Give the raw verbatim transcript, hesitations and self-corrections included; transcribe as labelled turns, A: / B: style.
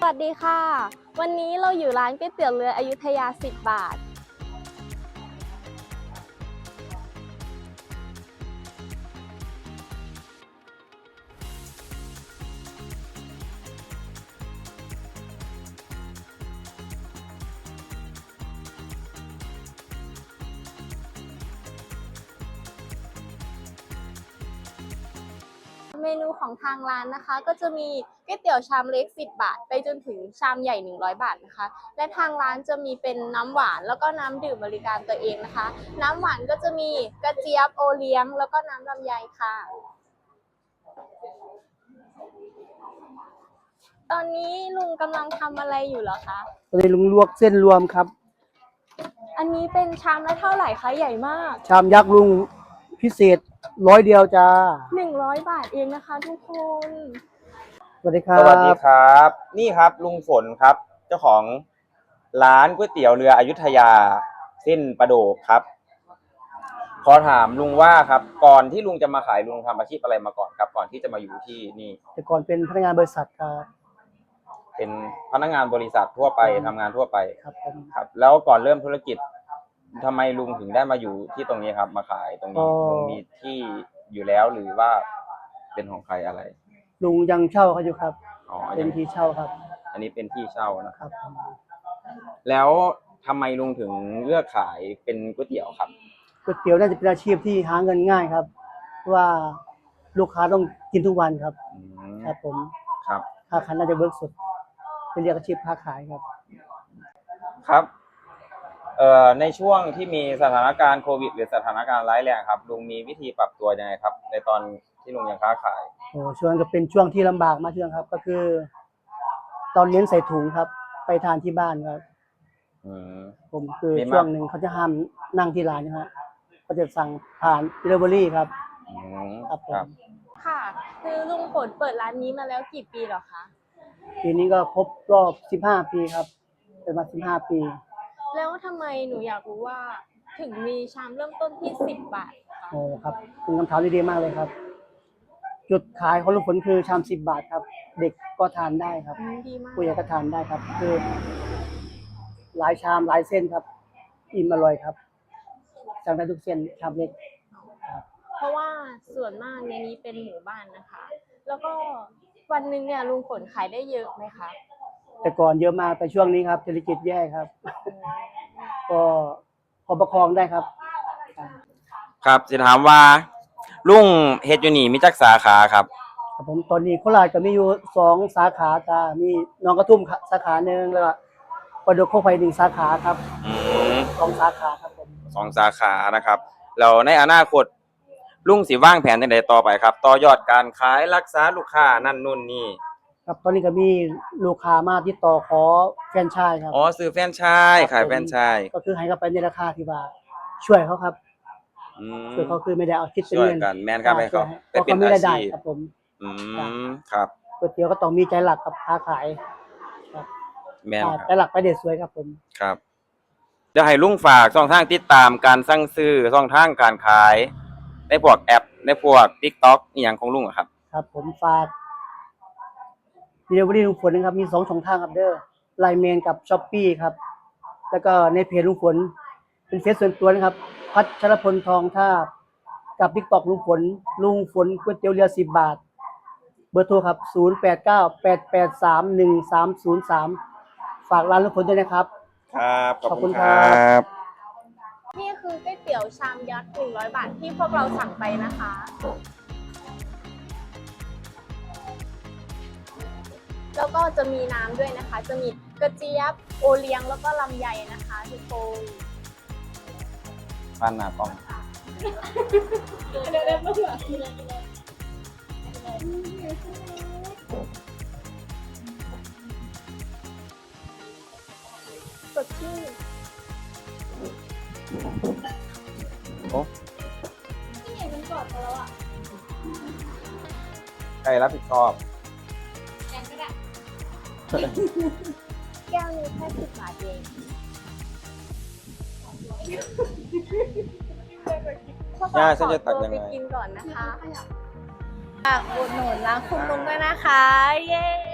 A: วัสดีค่ะวันนี้เราอยู่ร้านก๋วยเตี๋ยวเรืออยุธยาสิบบาทเมนูของทางร้านนะคะก็จะมีก๋วยเตี๋ยวชามเล็กสิบบาทไปจนถึงชามใหญ่หนึ่งร้อยบาทนะคะและทางร้านจะมีเป็นน้ำหวานแล้วก็น้ำดื่มบริการตัวเองนะคะน้ำหวานก็จะมีกระเจี๊ยบโอเลี้ยงแล้วก็น้ำลำไยค่ะตอนนี้ลุงกำลังทำอะไรอยู่เหรอคะ
B: ตอนนี้ลุงลวกเส้นรวมครับ
A: อันนี้เป็นชามละเท่าไหร่คะใหญ่มาก
B: ชามยักษ์ลุงพิเศษร้อยเดียวจ้า
A: หนึ่งร้อยบาทเองนะคะทุกคน
B: สวัสดีครับ
C: สวัสดีครับนี่ครับลุงฝนครับ เจ้าของร้านก๋วยเตี๋ยวเรืออยุธยาเส้นประโดกครับขอถามลุงว่าครับก่อนที่ลุงจะมาขายลุงทำอาชีพอะไรมาก่อนครับก่อนที่จะมาอยู่ที่นี่
B: แต่ก่อนเป็นพนักงานบริษัทครับ
C: เป็นพนักงานบริษัททั่วไปทำงานทั่วไป
B: ครับผม
C: ครับแล้วก่อนเริ่มธุรกิจทำไมลุงถึงได้มาอยู่ที่ตรงนี้ครับมาขายตรงนี้ลุงมีที่อยู่แล้วหรือว่าเป็นของใครอะไร
B: ลุงยังเช่าเขาอยู่ครับ
C: อ๋อ
B: เป็นที่เช่าครับ
C: อันนี้เป็นที่เช่านะครับ
B: ครับ
C: แล้วทำไมลุงถึงเลือกขายเป็นก๋วยเตี๋ยวครับ
B: ก๋วยเตี๋ยวน่าจะเป็นอาชีพที่หาเงินง่ายครับเพราะว่าลูกค้าต้องกินทุกวันครับครับผม
C: ครับ
B: ค้าขายน่าจะเวิร์กสุดเป็นเรียกอาชีพค้าขายครับ
C: ครับเอ่อในช่วงที่มีสถานการณ์โควิดหรือสถานการณ์ร้ายแรงครับลุงมีวิธีปรับตัวยังไงครับในตอนที่ลุงยังค้าขาย
B: โอ้ช่วงก็เป็นช่วงที่ลำบากมากช่วงครับก็คือตอนเลี้ยงใส่ถุงครับไปทานที่บ้านครับ
C: อืม
B: ผมคือช่วงหนึ่งเขาจะห้ามนั่งที่ร้านนะฮะเขาจะสั่งผ่าน delivery ครับ
C: ครับ
A: ค่ะคือลุงฝนเปิดร้านนี้มาแล้วกี่ปีหรอคะ
B: ปีนี้ก็ครบรอบสิบห้าปีครับเป็นมาสิบห้าปี
A: แล้วทำไมหนูอยากรู้ว่าถึงมีชามเริ่มต้นที่สิบบาท
B: โอ้ครับเป็นคำถามที่ดีมากเลยครับจุดขายของลุงฝนคือชามสิบบาทครับเด็กก็ทานได้ครับผู้ใหญ่ก็ทานได้ครับคือหลายชามหลายเส้นครับอิ่มอร่อยครับสั่งได้ทุกเส้นชามเล็ก
A: เพราะว่าส่วนมากในนี้เป็นหมู่บ้านนะคะแล้วก็วันหนึ่งเนี่ยลุงฝนขายได้เยอะไหมคะ
B: แต่ก่อนเยอะมากแต่ช่วงนี้ครับเศรษฐกิจแย่ครับก็พอประคองได้ครับ
C: ครับจะถามว่าลุงเฮ็ดอยู่นี่มีจักสาขาครับ
B: ครับผมตอนนี้โคราชก็มีอยู่สองสาขาจ้ามีหนองกระทุ่มสาขาหนึ่งแล้วก็ประดุกโคกไฟหนึ่งสาขาครับ
C: อืม
B: สองสาขาครับผม
C: สองสาขานะครับแล้วในอนาคตลุงสิวางแผนจังได๋ต่อไปครับต่อยอดการขายรักษาลูกค้านั่นนู่นนี่
B: ครับตอนนี้ก็มีลูกค้ามาติดต่อขอแฟรนไชส์ครับ
C: อ๋อซื้อแฟรนไชส์ขายแฟรนไชส์
B: ก็คือให้เขาไปในราคาที่ว่าช่วยเขาครับ
C: อืม
B: ช่วยเขาคือไม่ได้เอาคิดเป็น
C: เงิ
B: น
C: กันแม่นครับให้เขา
B: ไปเป็นอาชีพครับผม
C: อืมครับ
B: ก๋วยเตี๋ยวก็ต้องมีใจหลักกับค้าขาย
C: ครับแม่นครับ
B: ใจหลักไปเด็ดสวยครับผม
C: ครับจะให้ลุงฝากช่องทางติดตามการสั่งซื้อช่องทางการขายในพวกแอปในพวก TikTok อีหยังของลุงอะครับ
B: ครับผมฝาก delivery ลุงฝนนะครับมีสองช่องทางครับเด้อ ไลน์ แมน กับ Shopee ครับแล้วก็ในเพจลุงฝนเป็นเฟซส่วนตัวนะครับพัชรพลทองทาบกับ TikTok ลุงฝนลุงฝนก๋วยเตี๋ยวเรือสิบบาทเบอร์โทรครับศูนย์ แปด เก้า แปด แปด สาม หนึ่ง สาม ศูนย์ สามฝากร้านลุงฝนด้วยนะครับ
C: ครับ
B: ขอบคุณครับ
A: นี่คือก๋วยเตี๋ยวชามยักษ์หนึ่งร้อยบาทที่พวกเราสั่งไปนะคะแล้วก็จะมีน้ำด้วยนะคะจะมีกระเจี๊ยบโอเลี้ยงแล้วก็ลำไยนะคะทุกคน
C: ปั้นหน้ากล้อง
A: สดชื่น
C: โอ้
A: ที่ไหนมันกอดกันแล้วอ่ะ
C: ใครรับผิดชอบ
A: แกงก็ได้แก้วนี้แค่สิบบาทเอง
C: ย่าฉันจะตักยังไง
A: ไปกินก่อนนะคะฝากอุดหนุนร้านคุณลุงด้วยนะคะเย้